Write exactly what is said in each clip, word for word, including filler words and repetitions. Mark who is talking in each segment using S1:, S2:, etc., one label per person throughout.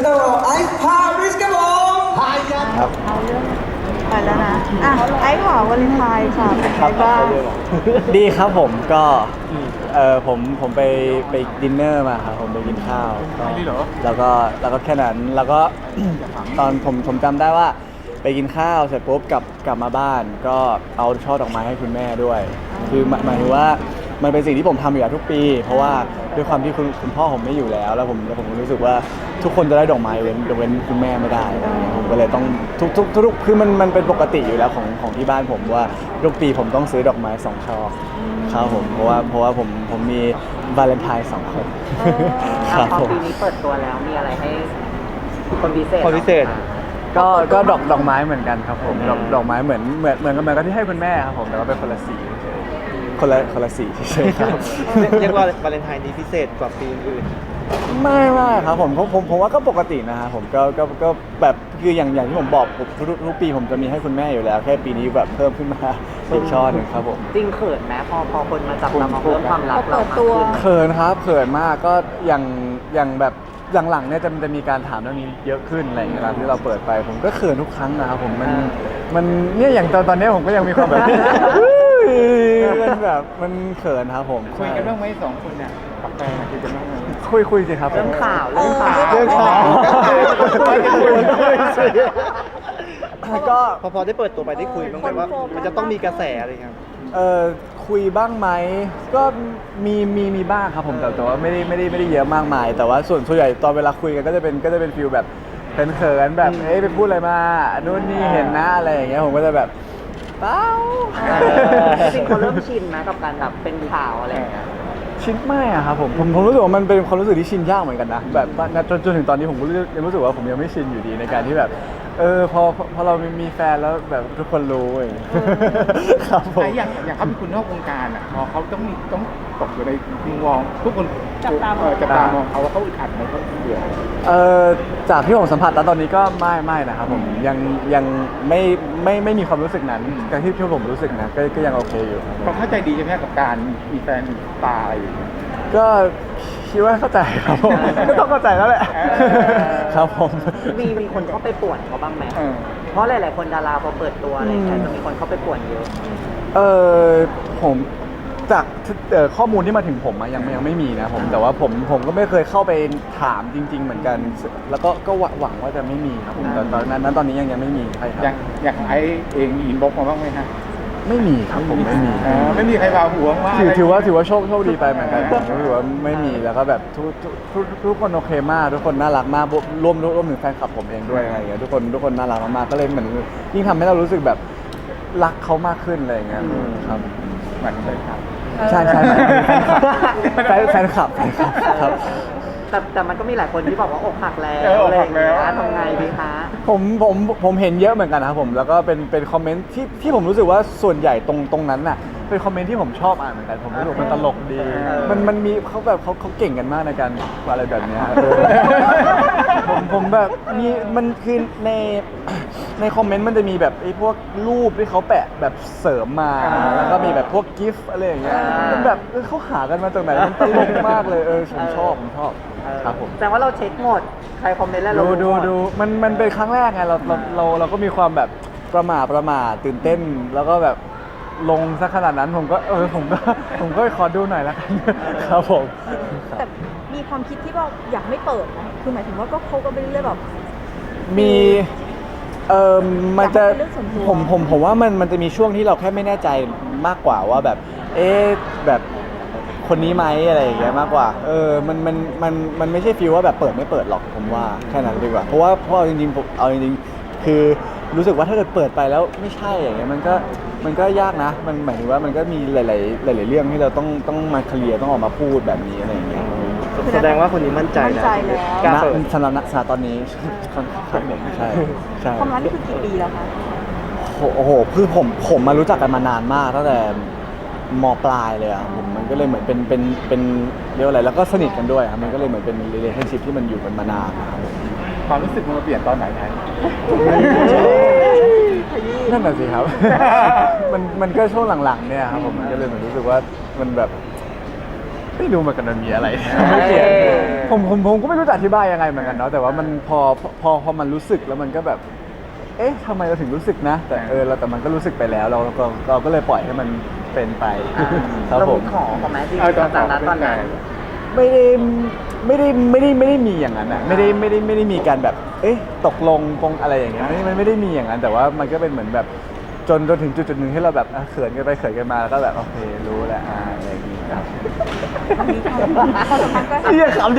S1: ต้อนรับไอซ์พาริสครับผมพายครับ
S2: เอาเรื่องไปแล้วนะอ่ะไอ้ขอวาเลนไทน์ค่ะเป็นไงบ้าง
S3: ดีครับผมก็เออผมผมไปไปดินเนอร์มาครับผมไปกินข้าวก็แล้วก็แล้วก็แค่นั้นแล้วก็ ตอนผมผมจำได้ว่าไปกินข้าวเสร็จปุ๊บกลับกลับมาบ้าน ก็เอาช่อดอกไม้ให้คุณแม่ด้วย คือหมายหมายถึงว่ามันเป็นสิ่งที่ผมทำอยู่แล้วทุกปี เพราะว่าด้วยความที่คุณคุณพ่อผมไม่อยู่แล้ว แล้วผมแล้วผมรู้สึกว่าทุกคนจะได้ดอกไม้เว้นยกเว้นคุณแม่ไม่ได้อะไรเงี้ยผมก็เลยต้องทุกทุกทุกคือมันมันเป็นปกติอยู่แล้วของของที่บ้านผมว่าทุกปีผมต้องซื้อดอกไม้สองช่อครับผมเพราะว่าเพราะว่าผมผมมีวาเลนไทน์สองคนครับ
S4: พอ
S3: ผม
S4: ปีนี้เปิดตัวแล้วมีอะไรให้คนพิเศษ
S5: คนพิเศษ
S3: ก็ก็ดอกดอกไม้เหมือนกันครับผมดอกดอกไม้เหมือนเหมือนเหมือนกันเหมือนกับที่ให้คุณแม่ครับผมแต่ว่าเป็นคนละสีเฉยๆคนละคนละสีเฉยๆครับ
S5: เรียกว่าวาเลนไทน์นี้พิเศษกว่าปีอื่น
S3: ไม่ไม่ครับผมผมผมผมว่าก็ปกตินะครับผมก็ก็ก็แบบคืออย่างอย่างที่ผมบอกผมทุกทุกปีผมจะมีให้คุณแม่อยู่แล้วแค่ปีนี้แบบเพิ่มขึ้นมาอีกช่อหนึ่งครับผม
S4: จริงเขินไหมพอพอคนมาจับตามองเรื่องความรักเรามากขึ้น
S3: เขินครับเขินมากก็อย่างอย่างแบบหลังๆเนี่ยจะจะมีการถามเรื่องนี้เยอะขึ้นอะไรอย่างเงี้ยเวลาที่เราเปิดไป ผมก็เขินทุกครั้งนะครับผมมันมันเนี่ยอย่างตอนตอนนี้ผมก็ยังมีความแบบ มันแบบมันเขินครับผม
S5: คุยกันบ้างไหมสองคนเนี่ยกับแฟนคุยกันบ้างไหม
S3: คุยคุยสิครับ
S4: เรื่องข่าวเรื่องข่าว
S3: เรื่องข่าวก็
S5: พอพอได้เปิดตัวไปได้คุยบ้างไหมว่ามันจะต้องมีกระแสอะไรเงี้ย
S3: เออคุยบ้างไหมก็มีมีมีบ้างครับผมแต่แต่ว่าไม่ได้ไม่ได้ไม่ได้เยอะมากมาย แต่ว่าส่วนส่วนใหญ่ตอนเวลาคุยกันก็จะเป็นก็จะเป็นฟิลแบบเขินๆแบบเอ้ยไปพูดอะไรมานู่นนี่เห็นนะอะไรอย่างเงี้ยผมก็จะแบบเปล่า
S4: จริงเขาเริ่มชินไหมกับการแบบเป็นข่าวอะไรอย่างเงี้ย
S3: ชินไม่อะครับผมผมผมรู้สึกว่ามันเป็นความรู้สึกที่ชินยากเหมือนกันนะแบบว่าณจนจนถึงตอนนี้ผมก็ยังรู้สึกว่าผมยังไม่ชินอยู่ดีในการที่แบบเออพอพอพอเรามีแฟนแล้วแบบทุกคนรู้อย่างเงี้ยครับผม
S5: แต่อย่างอย่างเขาเป็นคนนอกวงการอ่ะพอเขาต้องมีต้องตกอยู่ในมุมมองทุกคน
S2: จับตามอง
S5: เออจับตามองเขาว่าเขาอึดอัดไหมเขาเบื่อ
S3: เออจากที่ผมสัมผัสแล้วตอนนี้ก็ไม่ไม่นะครับผมยังยังไม่ไม่ไม่มีความรู้สึกนั้นการที่ที่ผมรู้สึกนะก็ก็ยังโอเคอยู่ครับผม
S5: เขาเข้าใจดีใช่ไหมกับการมีแฟนมีตาอะไรอย่างเงี้ย
S3: ก็คิดว่าเข้าใจครับผมก็ต้องเข้าใจแล้วแหละ
S5: เออ
S3: ครับผม
S4: มีมีคนเข้าไปป่วนเขาบ้างไหม
S5: เออ
S4: เพราะหลาย ๆ คนดาราพอเปิดตัวอะไรอย่างเงี้ยจะมีคนเข้าไปป่วนเยอะ
S3: เออผมจากเอ่อข้อมูลที่มาถึงผมอะยังยังไม่มีนะผมแต่ว่าผมผมก็ไม่เคยเข้าไปถามจริง ๆ เหมือนกัน แล้วก็ก็หวังหวังว่าจะไม่มีครับผมแต่ตอนนั้นนั้นตอนนี้ยังยังไม่มีใครค
S5: อย่า
S3: รั
S5: ง
S3: บ
S5: อย่างไอเองอินบ็อกมาบ้างไหมฮะ
S3: ไม่มีครับผมไม่มี
S5: เออไม่มีใครพาหัวว่า
S3: ถือถือว่าถือว่าโชคโชคดีไปเหมือนกันผมรู้สึกว่าไม่มีแล้วก็แบบทุกทุกทุกทุกคนโอเคมากทุกคนน่ารักมากรวมรวมถึงแฟนคลับผมเองด้วยอะไรอย่างเงี้ยทุกคนทุกคนน่ารักมากๆก็เลยเหมือนยิ่งทำให้เรารู้สึกแบบรักเขามากขึ้นอะไรอย่างเงี้ยครับ
S5: เหมือนเลยครับ
S3: ใช่ใช่แฟนแฟนคลับแฟนคลับครับ
S4: แต่แต่มันก็มีหลายคนที่บอกว่าอกหักแล้ว
S5: เอออก
S4: อะไรอ
S5: หั
S4: ย่าก งเงี้ย
S5: แล้ว
S4: ทำไงดีคะ
S3: ผมผมผมเห็นเยอะเหมือนกันนะครับผมแล้วก็เป็นเป็นคอมเมนต์ที่ที่ผมรู้สึกว่าส่วนใหญ่ตรงตรงนั้นน่ะเป็นคอมเมนต์ที่ผมชอบอ่านเหมือนกันผมรู้สึกว่ามันตลกดี มันมันมีเขาแบบเขาเขาเก่งกันมากในการอะไรแบบเนี้ยเออผมผมแบบมีมันคือในในคอมเมนต์มันจะมีแบบไอ้พวกรูปที่เขาแปะแบบเสริมมาแล้วก็มีแบบพวกกิฟต์อะไรอย่างเงี้ยมันแบบเออเขาหากันมาจากไหนมันตลกมากเลยเออผมชอบผมชอบครับผม
S4: แต่ว่าเราเช็คหมด ใครคอมเมนต์แล้วเรา
S3: ดู
S4: รู้
S3: ดู
S4: หม
S3: ดูมันมันเป็นครั้งแรกไงเราเราเราเราก็มีความแบบประหม่าประหม่าตื่นเต้น แล้วก็แบบลงสักขนาดนั้นผมก็เออผมก็ผมก็ขอดูหน่อยละกันครับผม
S2: แต่มีความคิดที่ว่าอยากไม่เปิดนะคือหมายถึงว่าก็เขาก็ไปเรื่อยๆแบบ
S3: มีเออมันจะ
S2: อยากให้เป็นเรื่องส่วนตัว
S3: ผมผมผมว่ามันมันจะมีช่วงที่เราแค่ไม่แน่ใจมากกว่าว่าแบบ เอ๊ะแบบคนนี้ไหมอะไรอย่างเงี้ยมากกว่าเออมันมันมันมันไม่ใช่ฟีลว่าแบบเปิดไม่เปิดหรอกผมว่าแค่นั้นดีกว่าเพราะว่าเพราะเอาจริงๆผมเอาจริงๆคือรู้สึกว่าถ้าเกิดเปิดไปแล้วไม่ใช่อย่างเงี้ยมันก็มันก็ยากนะ มันหมายถึงว่ามันก็มีหลาย ๆ หลาย ๆ เรื่องที่เราต้องต้องมาเคลียร์ต้องออกมาพูดแบบนี้อะไรอย่างเงี้ย
S5: แสดงว่าคนนี้มั่นใจ
S2: มั่นใจแล้ว
S5: กล้า
S3: ณ
S5: เปิด
S3: สำหรับณสถานตอนนี้ ค่อนข้างหนึ่งใช่ใช่
S2: ความรักนี่คือกี่ปีแล้วคะ
S3: โอ้โหคือผมผมมารู้จักกันมานานมากตั้งแต่มปลายเลยอะผมมันก็เลยเหมือนเป็นเป็นเป็นเรียกว่าอะไรแล้วก็สนิทกันด้วยครับมันก็เลยเหมือนเป็น relationship ที่มันอยู่กันมานานนะครับผม
S5: ความรู้สึกมันมาเปลี่ยนตอนไหนครับ
S3: นั่นแหะสิครับ มันมันก็ช่วงหลังๆเนี่ยครับผมมันก็เลยเหมือนรู้สึกว่ามันแบบไม่รู้เหมือนกันมันมีอะไรไม่เขียนผมผมผมก็ไม่รู้จะอธิบายยังไงเหมือนกันเนาะแต่ว่ามันพอพอพอมันรู้สึกแล้วมันก็แบบ เอ๊ะทำไมเราถึงรู้สึกนะ แต่เออเราแต่มันก็รู้สึกไปแล้วเราเราเราก็เลยปล่อยให้มันเป็นไปครับ
S4: เรา
S3: ผ
S4: มี
S3: ม
S4: ขอเขาไหมจริง
S5: เออ
S4: ๆจากนั้นตอนนั้น
S3: ไม่ได้ไม่ได้ไม่ได้ไม่ได้มีอย่างนั้นอ่ะไม่ได้ไม่ได้ไม่ได้มีการแบบ เอ๊ะตกลงปงอะไรอย่างเงี้ยไม่มันไม่ได้มีอย่างนั้นแต่ว่ามันก็เป็นเหมือนแบบจนจนถึงจุดจุดหนึ่งที่เราแบบอ่ะเขินกันไปเขินกันมาแล้วก็แบบโอเครู้แล้วอ่าอะไรอย่างงี้ครับ
S2: มีความสัมพันธ์ก็
S3: เรียกขำดิ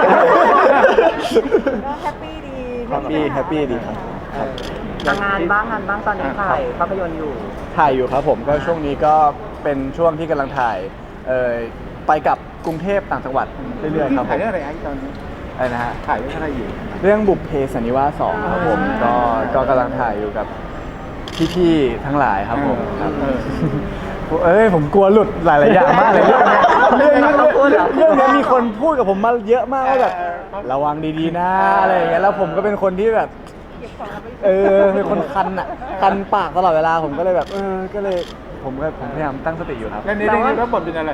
S2: ก็แฮปปี้ดี
S3: แฮปปี้แฮปปี้ดีครับ
S4: ทำงานบ้างงานบ้างตอนนี้ถ่ายภาพยนตร์อยู่
S3: ถ่ายอยู่ครับผมก็ช่วงนี้ก็เป็นช่วงที่กำลังถ่ายเอ่อไปกับกรุงเทพต่างจังหวัดเรื่อยๆครับผ
S5: ถ่าย
S3: ม
S5: เรื่องอะไรไอ้ตอนนี้
S3: อะไรนะฮะ
S5: ถ่ายเรื่องอะไรอยู่
S3: เรื่องบุพเพสันนิวาสสองครับผมก็ก็กำลังถ่ายอยู่กับพี่ๆทั้งหลายครับผมครับ
S5: เออ
S3: เอ้ยผมกลัวหลุดหลายๆอย่างมากเลยเรื่องเนี้ยเรื่องนี้
S4: ต้องพูดเหรอ
S3: เรื่องนี้มีคนพูดกับผมมาเยอะมากว่าแบบ
S5: เออ
S3: ระวังดีๆนะอะไรอย่างเงี้ยแล้วผมก็เป็นคนที่แบบ เออเป็นคนคันอ่ะคันปากตลอดเวลาผมก็เลยแบบ เออก็เลยผมก็ผมพยายามตั้งสติอยู่ครับ
S5: แล้วนี่เรื่องนี้รับบทเป็นอะไร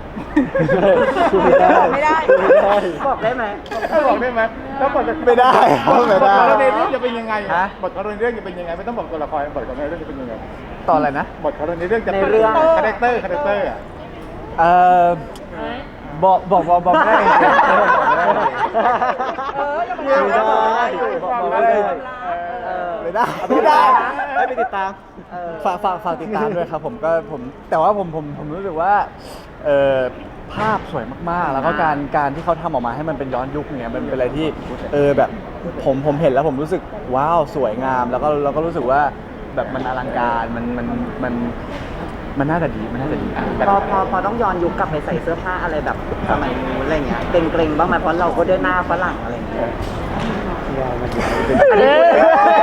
S2: ไม่ได้
S4: บอกได้ไหม
S5: บอกได้ไหมแล้วบท
S3: ไม่ได้ครับไม่ได้
S5: บทของเราในเรื่องจะเป็นยังไง
S3: ฮะ
S5: บทของเราในเรื่องจะเป็นยังไงไม่ต้องบอกตัวละครบทของเราในเรื่องจะเป็นยังไง
S3: ตอนอะไรนะ
S5: บทของเราในเรื่องจะ
S4: ในเรื่อง
S5: คาแรคเตอร์คาแรคเตอร์อ่ะ
S3: เออบอกบอกบอกบอกไม่ได้จริงๆ
S2: เอออย่ามา
S3: ไม่ได้
S2: บอก
S3: ไม่ได้
S4: เออ
S3: ไม่ได้ไม่ได้
S4: ไม่ไปติดตามเออ
S3: ฝากฝากฝากติดตามด้วยครับผมก็ผมแต่ว่าผมผมผมรู้สึกว่าเออภาพสวยมากๆ แล้วก็การการที่เขาทำออกมาให้มันเป็นย้อนยุคเนี่ยมันเป็นอะไรที่เออแบบผมผมเห็นแล้วผมรู้สึกว้าวสวยงาม แล้วก็เราก็รู้สึกว่าแบบมันอลังการมันมันมันมันน่าจะดีมันน่าจะดีอ่ะแบบ
S4: พอพอพอต้องย้อนยุคกลับไปใส่เสื้อผ้าอะไรแบบสมัยนู้นอะไรเงี้ยเกรงเกรงๆบ้างไหมเพราะเราก็ได้หน้าฝรั่งอะไรเงี้ย
S3: เอ๊ะ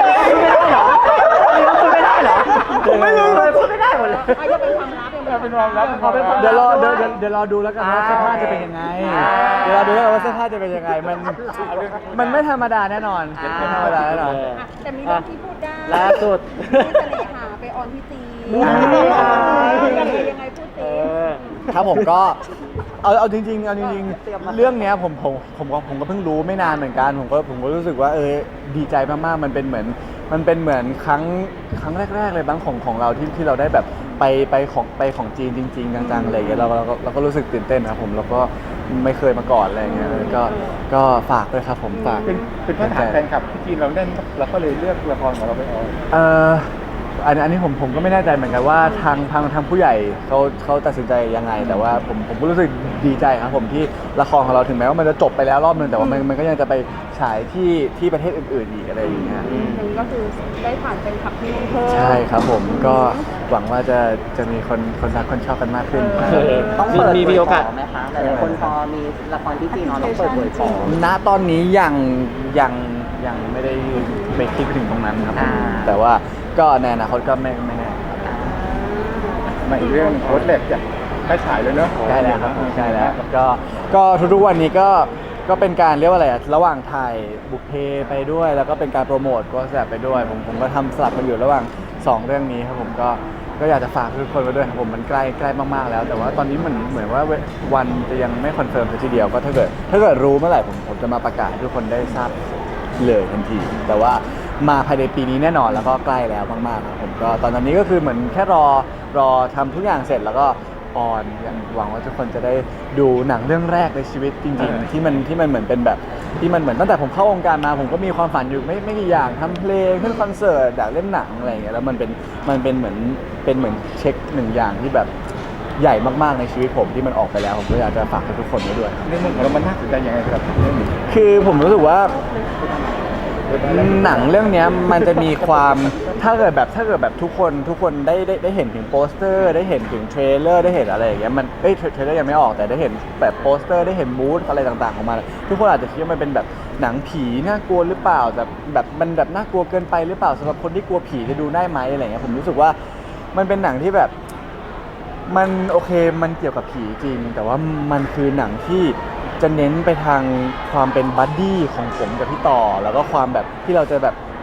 S4: พูดไม่ได้เหรอ
S3: ผมไม่รู้เลย
S4: พูดไม่ได้หมดเลย
S2: อ่ะยังเป็นความลับยังเป็นความลับ
S5: เป็นความลับ
S3: เดี๋ยวรอเดี๋ยวเดี๋ยวเดี๋ยวรอดูแล้วกันว่าเสื้อผ้าจะเป็นยังไง
S4: อ่า
S3: เดี๋ยวรอดูแล้วกันว่าเสื้อผ้าจะเป็นยังไงมันมันไม่ธรรมดาแน่นอนไม่ธรรมดาแน่นอน
S2: อ่ะแต่มีเรื่องที่พูดได้
S3: ล่าสุด
S2: ที่เสน่หาไปออนที่จีน
S3: อ่า
S2: ยังไงยังไงพูดสิ
S3: ครับผมก็เอาเอาจริงๆเอาจริงๆเรื่องเนี้ยผมผมผมก็ผมก็เพิ่งรู้ไม่นานเหมือนกันผมก็ผมก็รู้สึกว่าเออดีใจมากๆมันเป็นเหมือนมันเป็นเหมือนครั้งครั้งแรกๆเลยบ้างของของเราที่ที่เราได้แบบไปไปของไปของจีนจริงๆจังๆอะไรอย่างเงี้ยเราเราก็เราก็รู้สึกตื่นเต้นนะครับผมแล้วก็ไม่เคยมาก่อนอะไรอย่างเงี้ยก็ก็ฝากด้วยครับผมฝาก
S5: เป็นเป็นพื้นฐานแฟนคลับที่จีนเราเล่นเราก็เลยเลือกละครของเราไปออน
S3: เอ่ออันอันนี้ผมผมก็ไม่แน่ใจเหมือนกันว่าทางทางทางผู้ใหญ่เขาเขาตัดสินใจยังไง แต่ว่าผมผมก็รู้สึกดีใจครับผมที่ละครของเราถึงแม้ว่ามันจะจบไปแล้วรอบนึงแต่ว่ามันมันก็ยังจะไปฉายที่ที่ประเทศอื่นๆอีกอะไรอย่างเงี้ย
S2: อันนี้ก็คือได้ผ่านเป็นขับที่นู่นเพิ่ม
S3: ใช่ครับผมก็หวังว่าจะจะมีคนคนรักคนชอบกันมากขึ้น
S4: ต้องเปิด
S3: มีมีโอกาส
S4: เผยไหมคะหลายๆคนพอมีละครที่จีนเนาะต้องเปิดเผยของ
S3: ณตอนนี้ยังยังยังไม่ได้ไปคิดไปถึงตรงนั้นครับผม
S4: อ่า
S3: แต่ว่าก็ในอนาคตก็ไม่ไม่แน่
S5: มาอีกเรื่องโค้ดเหล็กจะได้ฉายเลยเนอะ
S3: ใกล้แล้วครับผมใกล้แล้วก็ก็ทุกๆวันนี้ก็ก็เป็นการเรียกว่าอะไรอะระหว่างถ่ายบุพเพไปด้วย แล้วก็เป็นการโปรโมทก็แสบไปด้วยผมผมก็ทำสลับกันอยู่ระหว่างสองเรื่องนี้ครับผมก็ก็อยากจะฝากทุกคนไว้ด้วยครับผมมันใกล้ใกล้มากๆแล้ว แต่ว่าตอนนี้เหมือนเหมือนว่าวันจะยังไม่คอนเฟิร์มทีเดียวก็ถ้าเกิดถ้าเกิดรู้เมื่อไหร่ผมผมจะมาประกาศให้ทุกคนได้ทราบเลยทันที แต่ว่ามาภายในปีนี้แน่นอนแล้วก็ใกล้แล้วมากๆครับผมก็ตอนนี้ก็คือเหมือนแค่รอรอทำทุกอย่างเสร็จแล้วก็ออนอย่างหวังว่าทุกคนจะได้ดูหนังเรื่องแรกในชีวิตจริงๆ ที่มันที่มันเหมือนเป็นแบบที่มันเหมือนตั้งแต่ผมเข้าวงการมาผมก็มีความฝันอยู่ไม่ไม่กี่อย่างทำเพลงขึ้นคอนเสิร์ตอยากเล่นหนังอะไรอย่างเงี้ยแล้วมันเป็นมันเป็นเหมือนเป็นเหมือนเช็คหนึ่งอย่างที่แบบใหญ่มากๆในชีวิตผมที่มันออกไปแล้วผมก็อยากจะฝากให้ทุกคนไว้ด้วย
S5: ในมุมของเรามันน่าสนใจยังไงครับเรื่องนี้
S3: คือผมรู้สึกว่าหนังเรื่องเนี้ยมันจะมีความถ้าเกิดแบบถ้าเกิดแบบทุกคนทุกคนได้ได้ได้เห็นถึงโปสเตอร์ได้เห็นถึงเทรลเลอร์ได้เห็นอะไรอย่างเงี้ยมันเอ้ยเทรลเลอร์ยังไม่ออกแต่ได้เห็นแบบโปสเตอร์ได้เห็นมูดอะไรต่างๆออกมาทุกคนอาจจะคิดว่ามันเป็นแบบหนังผีน่ากลัวหรือเปล่าแต่แบบมันแบบน่ากลัวเกินไปหรือเปล่าสำหรับคนที่กลัวผีจะดูได้ไหมอะไรเงี้ยผมรู้สึกว่ามันเป็นหนังที่แบบมันโอเคมันเกี่ยวกับผีจริงแต่ว่ามันคือหนังที่จะเน้นไปทางความเป็นบัดดี้ของผมกับพี่ต่อแล้วก็ความแบบที่เราจะแบบ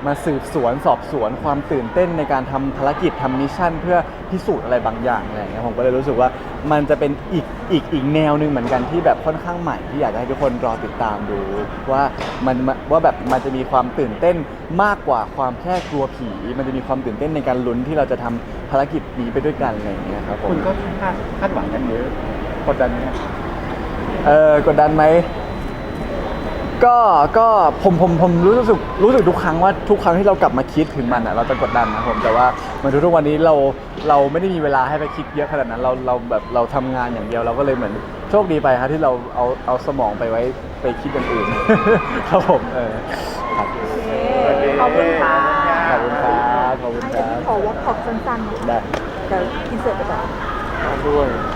S3: มาสืบสวนสอบสวนความตื่นเต้นในการทำภารกิจทำมิชชั่นเพื่อพิสูจน์อะไรบางอย่างอะไรอย่างเงี้ยผมก็เลยรู้สึกว่ามันจะเป็นอีกอีกอีกแนวหนึ่งเหมือนกันที่แบบค่อนข้างใหม่ที่อยากจะให้ทุกคนรอติดตามดูว่ามันว่าแบบมันจะมีความตื่นเต้นมากกว่าความแค่กลัวผีมันจะมีความตื่นเต้นในการลุ้นที่เราจะทำภารกิจนี้ไปด้วยกันอะไรอย่างเงี้ยครับผม
S5: คุณก็คาดคาดหวังกันเยอะกดดันไหม
S3: เออกดดันไหมก็ก็ผมผมผมรู้สึกรู้สึกทุกครั้งว่าทุกครั้งที่เรากลับมาคิดถึงมันอ่ะเราจะกดดันนะผมแต่ว่าเหมือนทุกๆวันนี้เราเราไม่ได้มีเวลาให้ไปคิดเยอะขนาดนั้นเราเราแบบเราทำงานอย่างเดียวเราก็เลยเหมือนโชคดีไปครับที่เราเอาเอาสมองไปไว้ไปคิดอย่างอื่น ครับผมเออครับ
S2: โอเคขอบคุณค่ะ
S3: ขอบคุณครับขอบคุณ
S2: ให้
S3: ครั
S2: พี่
S3: บ
S2: ขอวอล์กขอบสั้นๆนะคะ
S3: ได้
S2: เดี๋ยวอินเสิร์ตไปก่อน
S3: ด้วย